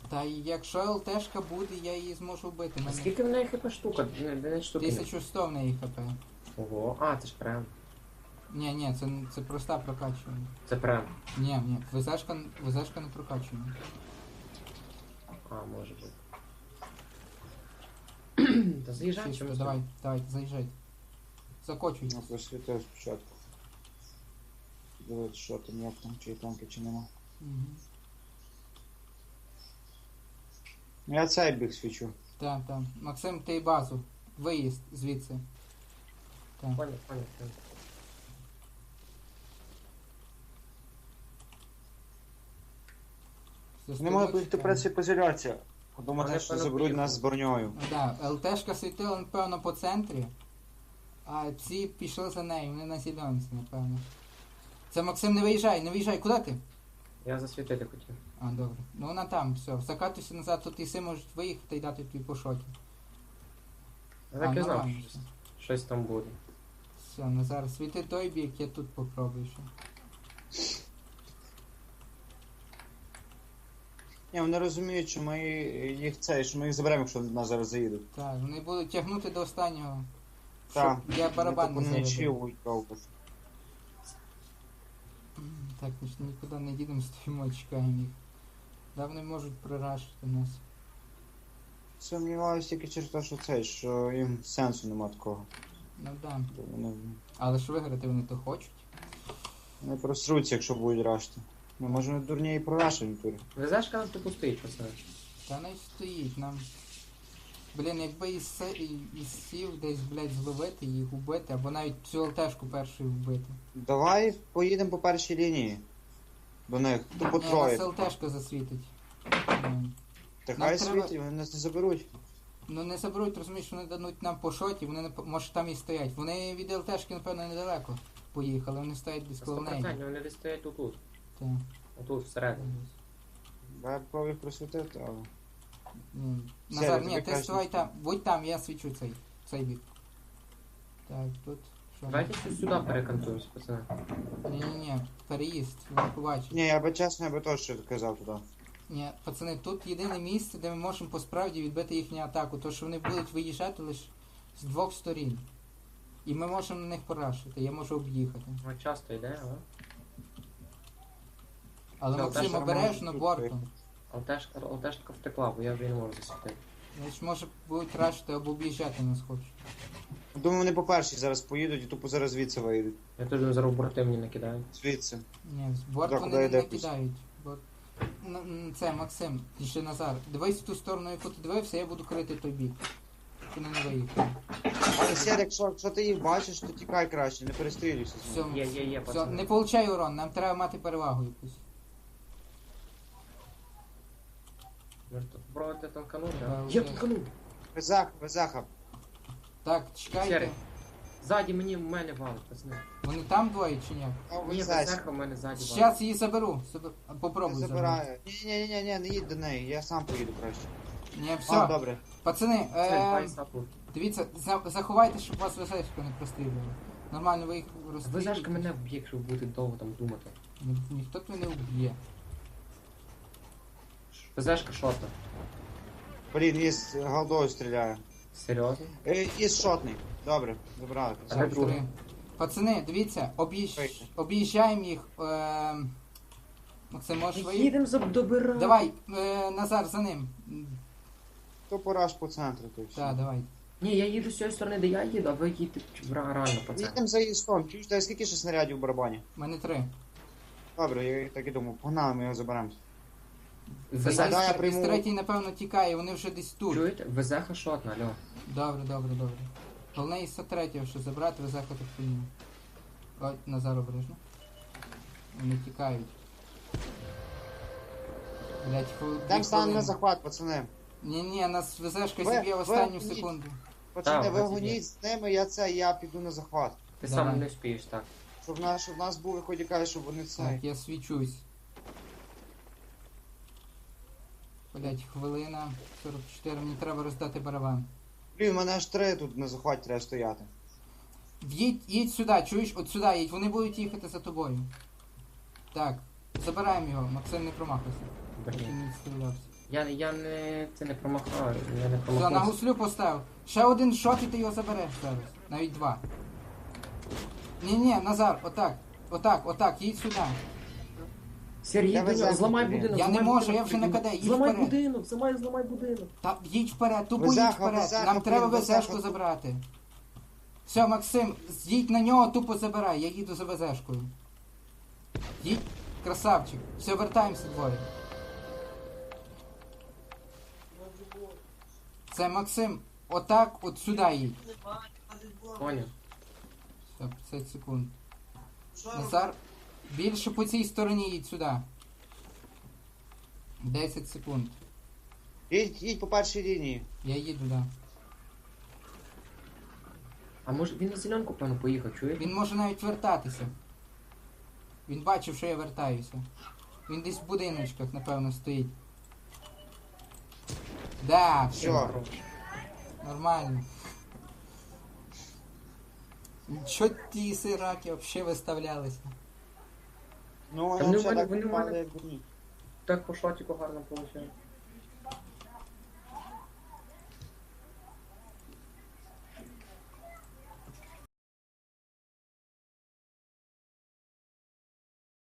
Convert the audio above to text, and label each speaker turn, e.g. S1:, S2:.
S1: Та якщо ЛТшка буде, я її зможу вбити.
S2: А скільки в неї хп штука? Не штуки.
S1: 1100 в неї хп.
S2: Ого, а, це ж прям.
S1: Ні, це проста прокачування.
S2: Це прям.
S1: Ні, ВЗшка не прокачує.
S2: А, може бути. Та заїжджай
S1: Чисто,
S2: чомусь.
S1: давайте, заїжджайте. Закочуйте.
S3: Ну, просвітив спочатку. Дивіться, що там, як там, чи є танки, чи нема.
S1: Угу.
S3: Я цей біг свічу.
S1: Так. Максим, ти базу. Виїзд звідси. Так.
S2: Понял.
S3: Не можу бути праці позиляція. Подумати,
S2: Але
S3: що
S2: певно
S3: заберуть
S2: поїхали.
S3: нас з броньою.
S1: Да, ЛТшка світила, напевно, по центрі, а ці пішли за нею, вони на зеленці, напевно. Це Максим, не виїжджай, куди ти?
S2: Я засвітити хотів.
S1: А, добре. Ну вона там, все. Закатуйся назад, тут іси можуть виїхати і дати тобі по шоті.
S2: Я так і знав,
S1: нормально
S2: що
S1: все.
S2: щось там буде.
S1: Все, Назар, світи той бік, я тут попробую ще.
S3: Ні, вони розуміють, що що ми їх заберемо, якщо нас зараз заїдуть.
S1: Так, вони будуть тягнути до останнього.
S3: Так.
S1: Щоб я барабан не
S3: не
S1: заведу. Так, ми ж нікуди не їдемо, стоїмо, чекаємо їх. Да, вони можуть прорашити нас.
S3: Сумніваюся тільки через те, що їм сенсу нема такого.
S1: Ну да.
S3: Вони,
S1: Але ж виграти вони то хочуть.
S3: вони просруться, якщо будуть рашти. Ми можемо дурні і прорашити в турі.
S2: Везешка нас тупо стоїть, пацани.
S1: Та не стоїть нам. Блін, якби і сів десь, блядь, зловити їх, убити, або навіть цю ЛТшку першою вбити.
S3: Давай поїдемо по першій лінії. До них. Тупо
S1: Ні,
S3: троє.
S1: нас ЛТшка засвітить.
S3: Та
S1: нам
S3: хай
S1: треба-
S3: світить, вони нас не заберуть.
S1: Ну не заберуть, розумієш, вони дадуть нам по шоті, вони не може там і стоять. Вони від ЛТшки, напевно, недалеко поїхали, вони стоять десь коло неї.
S2: 100% вони десь стоять отут.
S1: Так.
S2: Отут, всередині.
S3: Я пробую їх просвітити, але...
S1: Назар,
S3: тобі
S1: ні, ти
S3: краще
S1: ставай
S3: не
S1: там, будь там, я свічу цей бік. Так, тут. Що?
S2: Давайте щось сюди перекантуємося, пацани.
S1: Ні, переїзд, вони побачать.
S3: Ні, я би чесно, я би теж казав туди.
S1: Ні, пацани, тут єдине місце, де ми можемо по справді відбити їхню атаку, то що вони будуть виїжджати лише з двох сторін. І ми можемо на них порашити, я можу об'їхати.
S2: Ну, часто йде, але...
S1: Але
S2: Ну,
S1: Максим,
S3: теж
S1: обережно
S3: нормально
S1: бортом.
S2: ЛТшка втекла, бо я вже не можу засвітити.
S1: Значить, може будуть рашити або об'їжджати нас хочуть.
S3: Думаю, вони по першій зараз поїдуть і тупо зараз звідси виїдуть.
S2: Я теж зараз борти мені накидаю.
S3: Звідси.
S1: Ні, з борт
S3: Так,
S1: вони
S3: куди
S1: не
S3: йде
S1: кидають. Це, Максим, і ще Назар. Дивись в ту сторону, яку ти дивився, я буду крити той бік. Вони не виїхали.
S3: Але Сєр, якщо ти їх бачиш, то тікай краще, не перестрілюйся з
S1: Все,
S3: ними.
S2: Є,
S1: все,
S2: пацани.
S1: не получай урон, нам треба мати перевагу якусь.
S2: Може тут попробувати танканути,
S1: Да,
S2: а?
S1: вже.
S2: Я танканув!
S3: Везаха.
S1: Так, чекайте.
S2: Сірий. Ззаді в мене валить, пацани.
S1: Вони там двоє чи ні?
S2: Ні, Везеха в мене ззаді валить.
S1: Зараз її заберу.
S3: Не
S1: Попробуй забрати.
S3: забираю. Ні, не їдь до неї, я сам поїду краще.
S1: Ні,
S3: А,
S1: все.
S3: добре.
S1: Пацани,
S2: Це сапу.
S1: дивіться, заховайте, щоб вас везешка не прострілювали. Нормально ви їх розстрілюєте.
S2: Везешка мене вб'є, якщо ви будете довго там думати.
S1: Ніхто тебе не вб'є.
S2: Везешка шота.
S3: Блін, із голдою стріляє.
S2: Серйозно?
S3: Із шотний. Добре, забрали.
S2: А
S1: Так,
S2: де другий?
S1: три. Пацани, дивіться,
S3: Вийти.
S1: об'їжджаємо їх. Максим, можеш виїхати?
S2: Їдемо добирати.
S1: Давай, Назар, за ним.
S3: То пораж по центру, то все.
S1: Так, давай.
S2: Ні, я їду з цієї сторони, де я їду, а ви їдете реально, пацани.
S3: Їдемо за їстом. Чуєш, та скільки ще снарядів в барабані?
S1: У мене 3.
S3: Добре, я так і думав. Погнали, ми його заберемо.
S2: Везеха,
S3: Да, я
S1: Із
S3: прийму.
S1: третій, напевно, тікає, вони вже десь тут.
S2: чуєте? Везеха шотна, алло.
S1: Добре. Головне із третього, що забрати, везеха так прийняв. Ой, Назар обережно. Вони тікають. Блять,
S3: Там стане на захват, пацани.
S1: Ні, нас везешка
S3: Ви-
S1: зіб'є в
S3: ви
S1: останню
S3: гоніть.
S1: секунду.
S3: Пацани,
S2: Так,
S3: ви
S2: пацани.
S3: гоніть з ними, я піду на захват.
S2: Ти
S1: Давай.
S2: сам не вспієш, так.
S3: Щоб в нас були хоч якась, щоб вони це.
S1: Так, я свічусь. Блять, хвилина 44, мені треба роздати барабан.
S3: Блін, у мене аж 3 тут на захваті треба стояти.
S1: Їдь сюди, чуєш? От сюди їдь, вони будуть їхати за тобою. Так, забираємо його, Максим не промахуйся.
S2: Блін.
S1: Він не стрілявся.
S2: Я не... Це не промахаю, я не
S1: Все, на
S2: промахнувся.
S1: гуслю поставив. Ще один шот і ти його забереш зараз. Навіть два. Ні, Назар, отак, їдь сюди.
S2: Сергій,
S3: Давай
S2: ти
S3: захід,
S2: зламай
S3: блін.
S2: будинок.
S1: Я не
S2: зламай
S1: можу,
S2: будинок,
S1: я вже на
S2: прикинь.
S1: КД, їдь
S2: Зламай
S1: вперед.
S2: будинок, зламай будинок.
S1: Та їдь вперед, тупо
S3: Везаха,
S1: їдь вперед.
S3: Везаха,
S1: Нам треба
S3: блін, Везаха
S1: ВЗшку
S3: тут.
S1: забрати. Все, Максим, їдь на нього, тупо забирай, я їду за ВЗшкою. Їдь, красавчик. Все, вертаємося двоє. Це Максим, отак, от сюди їдь.
S2: Поняв.
S1: Все, 50 секунд. Назар, більше по цій стороні їдь сюди. 10 секунд.
S3: Їдь по першій лінії.
S1: Я їду, да.
S2: А може він на зеленку, певно, поїхав, чуєш?
S1: Він може навіть вертатися. Він бачив, що я вертаюся. Він десь в будиночках, напевно, стоїть. Да, все,
S3: Все.
S1: нормально. Чо ті сираки взагалі виставлялися?
S3: Ну,
S2: Та
S3: воно
S2: вони
S3: все
S2: в мене-
S3: так
S2: вони в
S3: падає,
S2: мене-
S3: як дурні.
S2: Так по шотіку гарно виходить.